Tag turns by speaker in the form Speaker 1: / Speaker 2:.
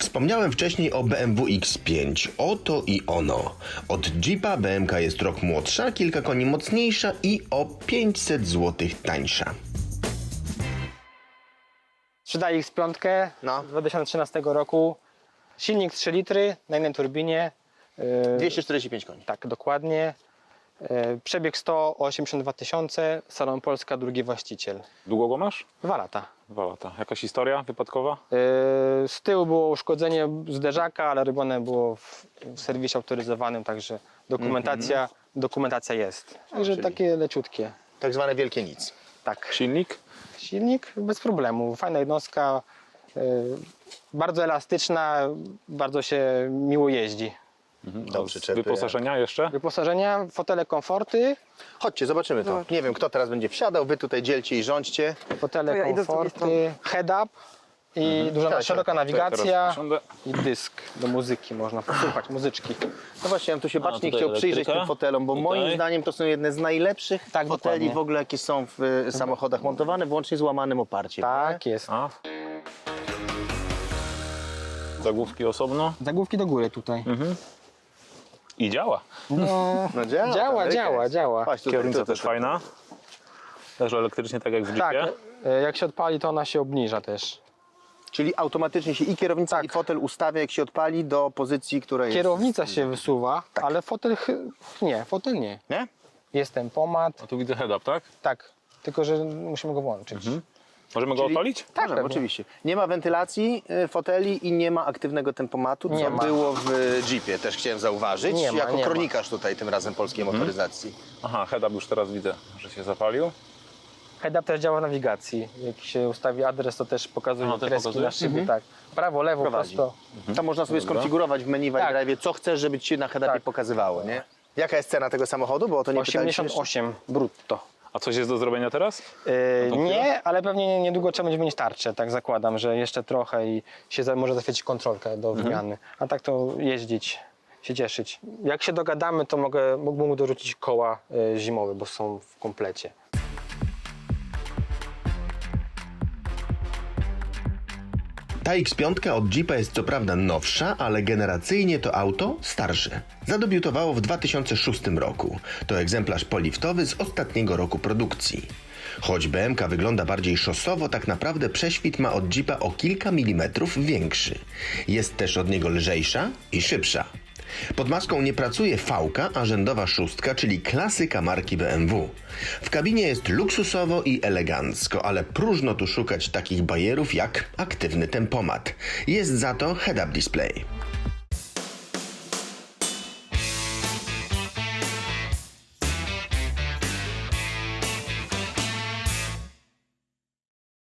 Speaker 1: Wspomniałem wcześniej o BMW X5. Oto i ono. Od Jeepa BMK jest rok młodsza, kilka koni mocniejsza i o 500 zł tańsza.
Speaker 2: Sprzedaję X5
Speaker 1: No.
Speaker 2: z 2013 roku. Silnik 3 litry na jednej turbinie.
Speaker 1: 245 koni.
Speaker 2: Tak, dokładnie. Przebieg 182 tysiące, Salon Polska, drugi właściciel.
Speaker 3: Długo go masz?
Speaker 2: 2 lata.
Speaker 3: 2 lata. Jakaś historia wypadkowa?
Speaker 2: Z tyłu było uszkodzenie zderzaka, ale robione było w serwisie autoryzowanym, także dokumentacja jest. Także
Speaker 1: czyli-
Speaker 2: takie leciutkie.
Speaker 1: Tak zwane wielkie nic.
Speaker 2: Tak.
Speaker 3: Silnik?
Speaker 2: Silnik bez problemu, fajna jednostka, bardzo elastyczna, bardzo się miło jeździ.
Speaker 1: Do przyczepy.
Speaker 3: Wyposażenia jeszcze?
Speaker 2: Wyposażenia, fotele komforty,
Speaker 1: Chodźcie, zobaczymy to. Nie wiem, kto teraz będzie wsiadał. Wy tutaj dzielcie i rządźcie.
Speaker 2: fotele
Speaker 4: ja idę z drugiej
Speaker 2: komforty, head-up i duża szeroka nawigacja
Speaker 3: Teraz usiądę.
Speaker 2: i dysk do muzyki, można posłuchać muzyczki.
Speaker 1: No właśnie, ja bym tu się bacznie
Speaker 3: tutaj
Speaker 1: chciał przyjrzeć
Speaker 3: elektryka.
Speaker 1: tym fotelom, bo
Speaker 3: Tutaj.
Speaker 1: moim zdaniem to są jedne z najlepszych
Speaker 2: Tak,
Speaker 1: foteli
Speaker 2: dokładnie.
Speaker 1: w ogóle, jakie są w samochodach montowane, włącznie z łamanym oparciem.
Speaker 2: Tak
Speaker 1: nie?
Speaker 2: jest.
Speaker 3: A. Zagłówki osobno.
Speaker 2: Zagłówki do góry tutaj.
Speaker 3: I działa.
Speaker 2: No,
Speaker 1: No działa.
Speaker 2: działa,
Speaker 1: Ameryka
Speaker 2: działa,
Speaker 1: jest.
Speaker 2: działa.
Speaker 1: Patrz, tutaj,
Speaker 3: Kierownica
Speaker 1: tutaj,
Speaker 3: też fajna. Też elektrycznie, tak jak w
Speaker 2: Tak,
Speaker 3: Jeepie.
Speaker 2: jak się odpali, to ona się obniża też.
Speaker 1: Czyli automatycznie się i kierownica,
Speaker 2: Tak.
Speaker 1: i fotel ustawia, jak się odpali, do pozycji, która jest...
Speaker 2: Kierownica się wysuwa, ale fotel nie, fotel nie.
Speaker 1: Nie?
Speaker 2: Jest tempomat,
Speaker 3: A tu widzę head-up, tak?
Speaker 2: tak, tylko że musimy go włączyć.
Speaker 3: Możemy go odpalić?
Speaker 1: Tak, możemy,
Speaker 2: pewnie.
Speaker 1: oczywiście. Nie ma wentylacji foteli i nie ma aktywnego tempomatu, co
Speaker 2: Nie ma.
Speaker 1: było w Jeepie, też chciałem zauważyć,
Speaker 2: Nie ma,
Speaker 1: jako
Speaker 2: nie ma.
Speaker 1: kronikarz tutaj tym razem polskiej motoryzacji.
Speaker 3: Aha, head-up już teraz widzę, że się zapalił.
Speaker 2: Head-up też działa w nawigacji. Jak się ustawi adres, to też pokazuje
Speaker 3: Aha, też
Speaker 2: kreski
Speaker 3: pokazuje?
Speaker 2: na szybie, tak. Prawo, lewo,
Speaker 1: Prowadzi.
Speaker 2: prosto.
Speaker 1: Tam można sobie skonfigurować w menu w
Speaker 2: Tak.
Speaker 1: iDrive, co chcesz, żeby ci się na head-upie
Speaker 2: Tak.
Speaker 1: pokazywało, nie? Jaka jest cena tego samochodu? Bo o to nie pytaliśmy jeszcze.
Speaker 2: 88 brutto.
Speaker 3: A coś jest do zrobienia teraz?
Speaker 2: Nie, ale pewnie niedługo trzeba będzie mieć tarczę, tak zakładam, że jeszcze trochę i się może zaświecić kontrolkę do wymiany. A tak to jeździć, się cieszyć. Jak się dogadamy, to mógłbym mu dorzucić koła zimowe, bo są w komplecie.
Speaker 1: Ta X5 od Jeepa jest co prawda nowsza, ale generacyjnie to auto starsze. Zadebiutowało w 2006 roku. To egzemplarz poliftowy z ostatniego roku produkcji. Choć BMK wygląda bardziej szosowo, tak naprawdę prześwit ma od Jeepa o kilka milimetrów większy. Jest też od niego lżejsza i szybsza. Pod maską nie pracuje V-ka, a rzędowa szóstka, czyli klasyka marki BMW. W kabinie jest luksusowo i elegancko, ale próżno tu szukać takich bajerów jak aktywny tempomat. Jest za to head-up display.